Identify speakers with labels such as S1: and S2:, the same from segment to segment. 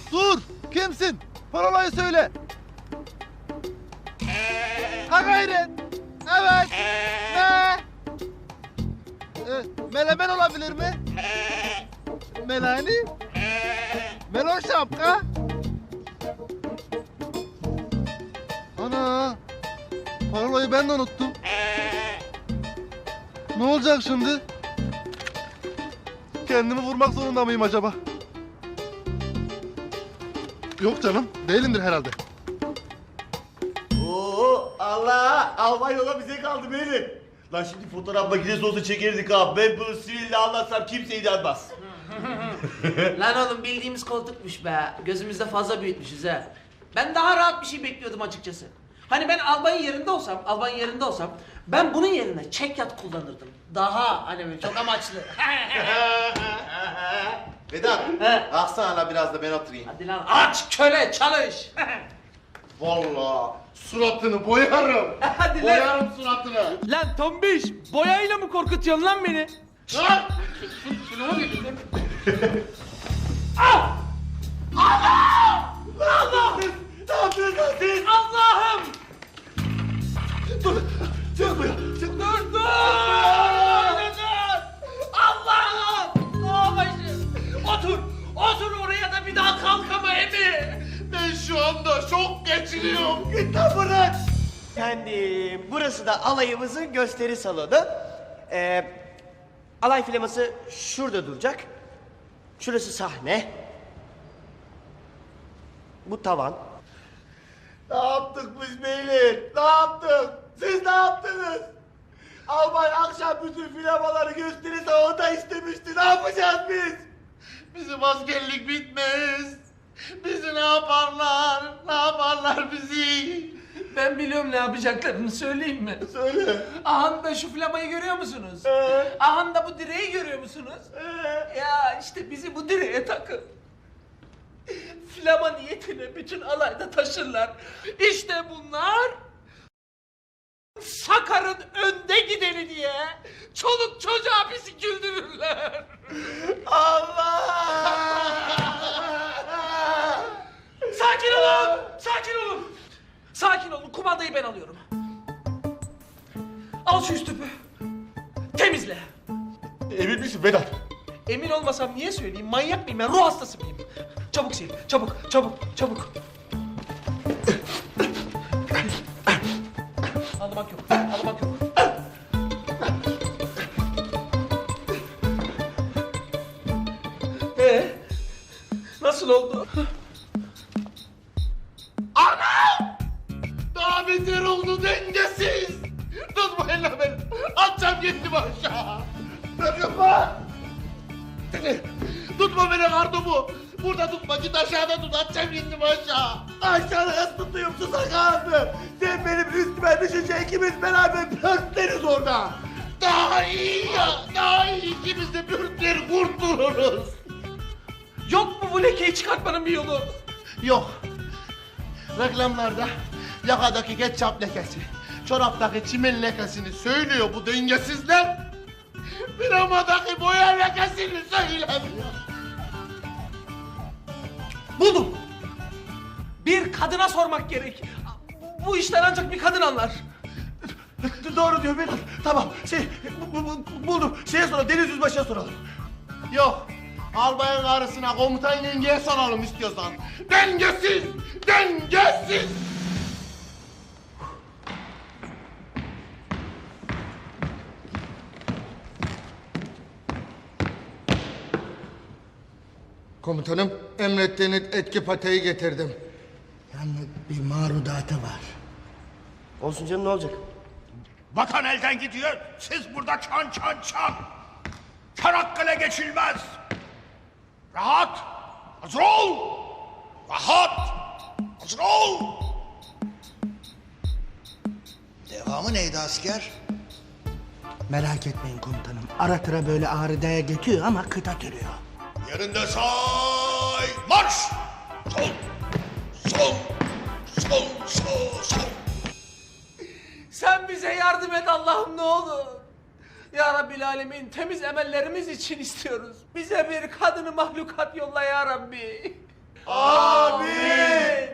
S1: Dur! Kimsin? Parolayı söyle. Ha gayret. Evet. Ne? Melemen olabilir mi? Melani? Melon şapka? Ana! Parolayı ben de unuttum. Ne olacak şimdi? Kendimi vurmak zorunda mıyım acaba? Yok canım, değilimdir herhalde.
S2: Oo Allah! Albay yola bize kaldı beyler. Lan şimdi fotoğraf makinesi olsa çekerdik abi. Ben bunu siville anlatsam kimse inanmaz.
S3: Lan oğlum bildiğimiz koltukmuş be. Gözümüzde fazla büyütmüşüz ha. Ben daha rahat bir şey bekliyordum açıkçası. Hani ben albayın yerinde olsam ben bunun yerine çekyat kullanırdım. Daha hani böyle çok amaçlı.
S2: Vedat,
S3: He.
S2: kalksana lan biraz da ben oturayım.
S3: Hadi lan aç köle çalış.
S2: Vallahi suratını boyarım.
S3: Hadi lan.
S2: Boyarım suratını.
S4: Lan tombiş, boyayla mı korkutuyorsun lan beni?
S2: Lan! Allah! Ne yapıyorsun lan siz?
S3: Allah'ım!
S2: Dur! Çık buraya! Çık!
S3: Dur dur! Allah'ım! Oh başım! Otur oraya da bir daha kalkama Emi!
S2: Ben şu anda şok geçiriyorum. Git lan buradan!
S5: Efendim, burası da alayımızın gösteri salonu. Alay filaması şurada duracak. Şurası sahne. Bu tavan.
S2: Ne yaptık biz beyler? Ne yaptık? Siz ne yaptınız? Albay akşam bütün filamaları gösteri salonunda istemişti. Ne yapacağız biz? Bizim askerlik bitmez. Bizi ne yaparlar? Ne yaparlar bizi?
S3: Ben biliyorum ne yapacaklarını söyleyeyim mi?
S2: Söyle.
S3: Ahanda şu flamayı görüyor musunuz?
S2: Ee?
S3: Ahanda bu direği görüyor musunuz? Ya işte bizi bu direğe takın. Flama niyetine bütün alayda taşırlar. İşte bunlar Sakar'ın önde gideni diye çoluk çocuğa bizi güldürürler.
S2: Allah!
S3: Sakin olun! Sakin olun! Sakin olun, kumandayı ben alıyorum. Al şu üst tüpü. Temizle.
S2: Emin misin Vedat?
S3: Emin olmasam niye söyleyeyim? Manyak mıyım ben? Ruh hastası mıyım? Çabuk sil. Çabuk. Ağlamak yok. Ağlamak yok. Nasıl oldu?
S2: Anam! Daha beter oldu dengesiz! Tutmayın lan beni! Atacağım gittim aşağı! Tutma! Tutma beni kartopu! Burada tutma, git aşağıda tut, atacağım gittim aşağı! Aşağıda nasıl tutayım tuzak ağzı? Sen benim üstüme düşünce ikimiz beraber pörtleriz orada! Daha iyi ya! Daha iyi ikimiz de pörtleri kurtuluruz!
S3: Yok mu bu lekeyi çıkartmanın bir yolu?
S2: Yok. Reklamlarda yakadaki ketçap lekesi, çoraptaki çimen lekesini söylüyor bu dengesizler. Piramadaki boya lekesini söylemiyor.
S3: Buldum. Bir kadına sormak gerek. Bu işten ancak bir kadın anlar.
S2: Doğru diyor Vedat. Tamam, buldum. Şeye soralım, Deniz Yüzbaşı'ya soralım. Yok, albayın karısına, komutan yengeye soralım istiyorsan. Dengesiz, dengesiz!
S6: Komutanım, emrettiğiniz etki pateyi getirdim. Yalnız bir marudatı var.
S5: Olsun canım, ne olacak?
S7: Vatan elden gidiyor. Siz burada çan. Çanakkale geçilmez. Rahat. Hazır ol. Rahat. Hazır ol.
S8: Devamı neydi asker?
S6: Merak etmeyin komutanım. Ara sıra böyle ağrıdaya geçiyor ama kıta türüyor.
S7: Yerinde say. Marş. Sol.
S3: Sen bize yardım et Allah'ım ne olur. Ya Rabbil Alemin temiz emellerimiz için istiyoruz. Bize bir kadını mahlukat yolla ya Rabbi.
S2: Amin.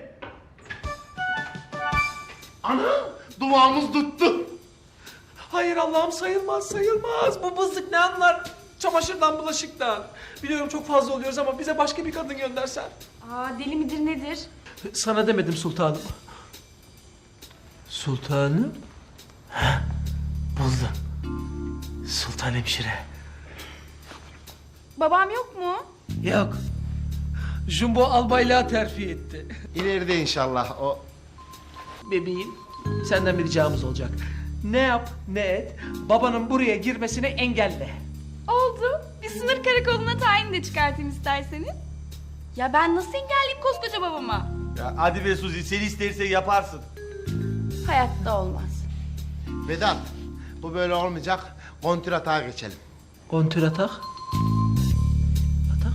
S1: Ana duamız tuttu.
S4: Hayır Allah'ım, sayılmaz sayılmaz. Bu bızlık ne anlar? Çamaşırdan, bulaşıktan. Biliyorum çok fazla oluyoruz ama bize başka bir kadın göndersen.
S9: Aa, deli midir nedir?
S4: Sana demedim sultanım. Sultanım? Heh, buldum. Sultan hemşire.
S9: Babam yok mu?
S4: Yok. Jumbo albaylığa terfi etti.
S2: İleride inşallah o.
S4: Bebeğim, senden bir ricamız olacak. Ne yap ne et, babanın buraya girmesini engelle.
S9: Oldu. Bir sınır karakoluna tayin de çıkartayım isterseniz. Ya ben nasıl engelleyeyim koskoca babama?
S2: Ya hadi be Suzi, sen istersen yaparsın.
S9: Hayatta olmaz.
S2: Vedat, bu böyle olmayacak. Kontratağa geçelim.
S4: Kontür atak. Atak.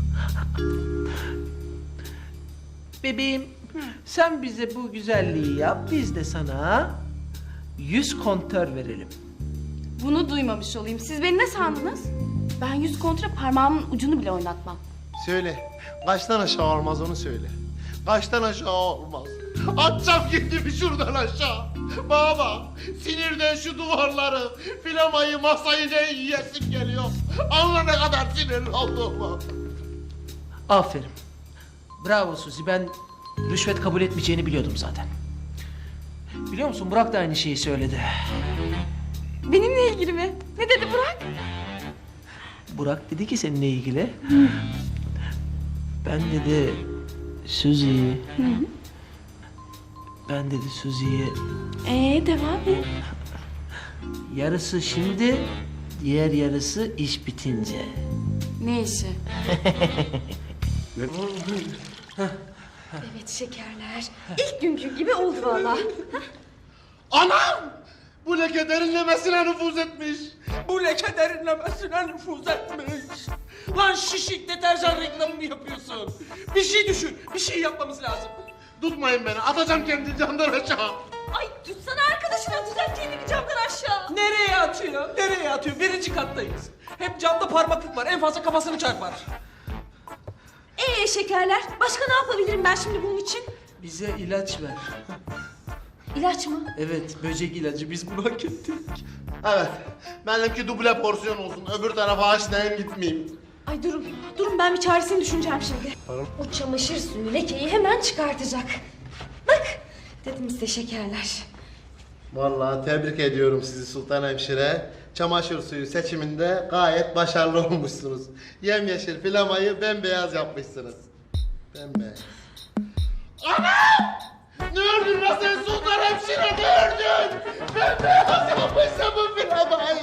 S4: Bebeğim, sen bize bu güzelliği yap, biz de sana 100 kontör verelim.
S9: Bunu duymamış olayım. Siz beni ne sandınız? Ben 100 kontra parmağımın ucunu bile oynatmam.
S2: Söyle, kaçtan aşağı olmaz onu söyle. Kaçtan aşağı olmaz. Atacağım kendimi şuradan aşağı. Baba, sinirden şu duvarları, filamayı, masayı ne yiyesim geliyor. Anla ne kadar sinirli olduğumu.
S4: Aferin. Bravo Suzi, ben rüşvet kabul etmeyeceğini biliyordum zaten. Biliyor musun, Burak da aynı şeyi söyledi.
S9: Benimle ilgili mi? Ne dedi Burak?
S4: Burak dedi ki seninle ilgili. Ben dedi Suzi'yi... Ben dedi Suzi'ye
S9: Devam et.
S4: yarısı şimdi, diğer yarısı iş bitince.
S9: Ne işi? Evet şekerler. İlk günkü gibi oldu valla.
S2: Anam! Bu leke derinlemesine nüfuz etmiş.
S4: Bu leke derinlemesine nüfuz etmiş. Lan şişik deterjan reklamı mı yapıyorsun? Bir şey düşün, bir şey yapmamız lazım.
S2: Tutmayın beni, atacağım kendini camdan aşağı.
S9: Ay tutsana arkadaşını atacak kendini camdan aşağı.
S4: Nereye atıyor? Nereye atıyor? Birinci kattayız. Hep camda parmaklık var, en fazla kafasını çarpar.
S9: Şekerler. Başka ne yapabilirim ben şimdi bunun için?
S4: Bize ilaç ver.
S9: İlaç mı?
S4: Evet, böcek ilacı. Biz bunu hak ettik.
S2: Evet, benimki duble porsiyon olsun. Öbür tarafa haşlayayım gitmeyeyim.
S9: Ay durun ben bir çaresini düşüneceğim şimdi. O çamaşır suyu lekeyi hemen çıkartacak. Bak dedim size şekerler.
S2: Vallahi tebrik ediyorum sizi Sultan Hemşire. Çamaşır suyu seçiminde gayet başarılı olmuşsunuz. Yemyeşil filamayı bembeyaz yapmışsınız. Bembeyaz. Anam! Ne ördün lan sen Sultan Hemşire, ne ördün? Bembeyaz yapmışsın bu filamayı.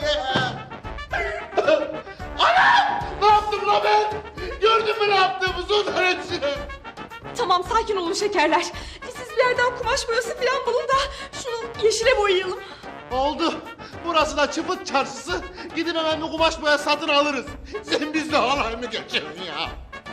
S2: Anam! Ne yaptım lan ben? Gördün mü ne yaptığımı Sultan Hemşire?
S9: Tamam sakin olun şekerler. Siz bir yerden kumaş boyası falan bulun da şunu yeşile boyayalım.
S2: Oldu. Burası da çıpıt çarşısı. Gidin hemen bir kumaş boya satın alırız. Sen bizle halay mı geçiyorsun ya?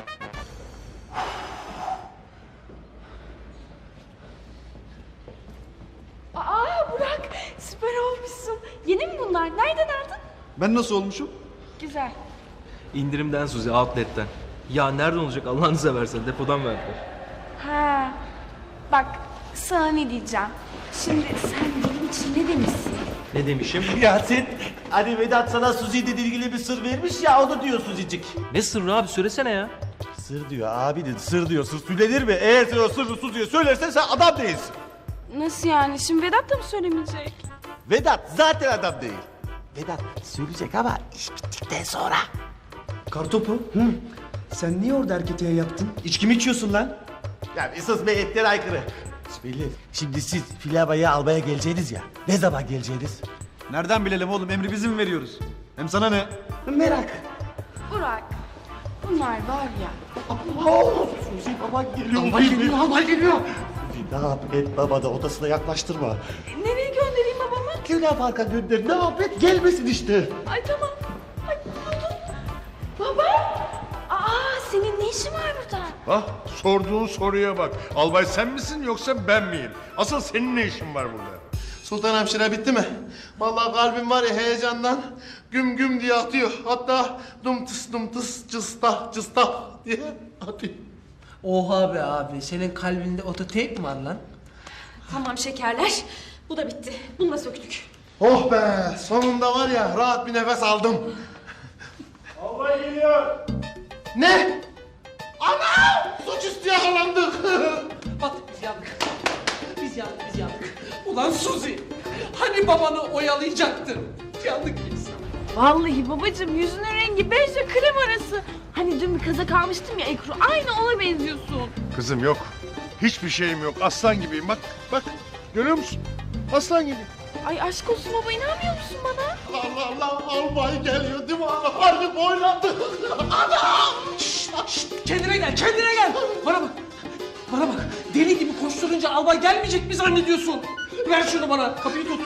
S9: Burak süper olmuşsun. Yeni mi bunlar? Nereden aldın?
S1: Ben nasıl olmuşum?
S9: Güzel.
S10: İndirimden Suzi, outlet'ten. Ya nereden olacak Allah'ını seversen, depodan verdiler.
S9: Ha. Bak sana ne diyeceğim. Şimdi sen benim için ne demişsin?
S10: Ne demişim?
S2: Ya sen hani Vedat sana Suzi ile ilgili bir sır vermiş ya, onu diyor Suzi'cik.
S10: Ne sırrı abi, söylesene ya.
S2: Sır diyor abi dedi, sır diyor. Sır söylenir mi? Eğer sen o sırrı Suzi'ye söylersen sen adam değilsin.
S9: Nasıl yani? Şimdi Vedat da mı söylemeyecek?
S2: Vedat zaten adam değil. Vedat söyleyecek ama iş bittikten sonra.
S5: Kartopu. Sen niye orada erkete yaptın? İçki mi içiyorsun lan?
S2: Ya bir sus be, etler aykırı. Beyler, şimdi siz filamayı almaya geleceğiniz ya. Ne zaman geleceğiniz?
S1: Nereden bilelim oğlum, emri bizim mi veriyoruz? Hem sana ne?
S2: Merak.
S9: Burak bunlar var ya.
S2: Suzi baban geliyor. Baban geliyor, baban geliyor. Ne yap et, baba da odasına yaklaştırma.
S9: Nereye göndereyim babamı?
S2: Luna Park'a gönder, ne yap et, gelmesin işte.
S9: Ay tamam. Ay buldum. Baba. Senin ne işin var burada?
S7: Ah, sorduğun soruya bak. Albay sen misin yoksa ben miyim? Asıl senin ne işin var burada?
S2: Sultan Hemşire bitti mi? Vallahi kalbim var ya heyecandan güm güm diye atıyor. Hatta dum tıs cısta cısta diye atıyor.
S4: Oha be abi, senin kalbinde ototeyp mi var lan?
S9: Tamam şekerler. Bu da bitti. Bunu da söktük.
S2: Oh be sonunda var ya rahat bir nefes aldım.
S7: Albay geliyor.
S2: Ne? Ana! Suçüstü yakalandık.
S3: Battık biz yandık. Biz yandık. Ulan Suzi! Hani babanı oyalayacaktın? Yandık biz.
S11: Vallahi babacığım yüzünün rengi bejle krem arası. Hani dün bir kazak almıştım ya Ekru. Aynı ona benziyorsun.
S7: Kızım yok. Hiçbir şeyim yok. Aslan gibiyim. Bak bak. Görüyor musun? Aslan gibi.
S11: Ay aşk olsun baba inanmıyor musun bana?
S2: Allah Allah albay geliyor değil mi? Harbi boylandı. Ana!
S3: Kendine gel. Bana bak. Deli gibi koşturunca albay gelmeyecek mi zannediyorsun? Ver şunu bana. Kapıyı tut.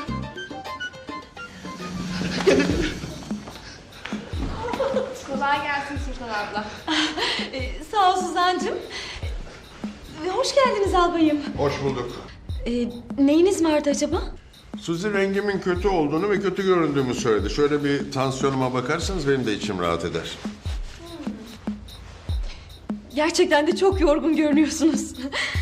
S9: Kolay gelsin Sultan abla. Sağ ol Suzan'cığım. Hoş geldiniz albayım.
S7: Hoş bulduk.
S9: Neyiniz vardı acaba?
S7: Suzi rengimin kötü olduğunu ve kötü göründüğümü söyledi. Şöyle bir tansiyonuma bakarsanız benim de içim rahat eder.
S9: Gerçekten de çok yorgun görünüyorsunuz.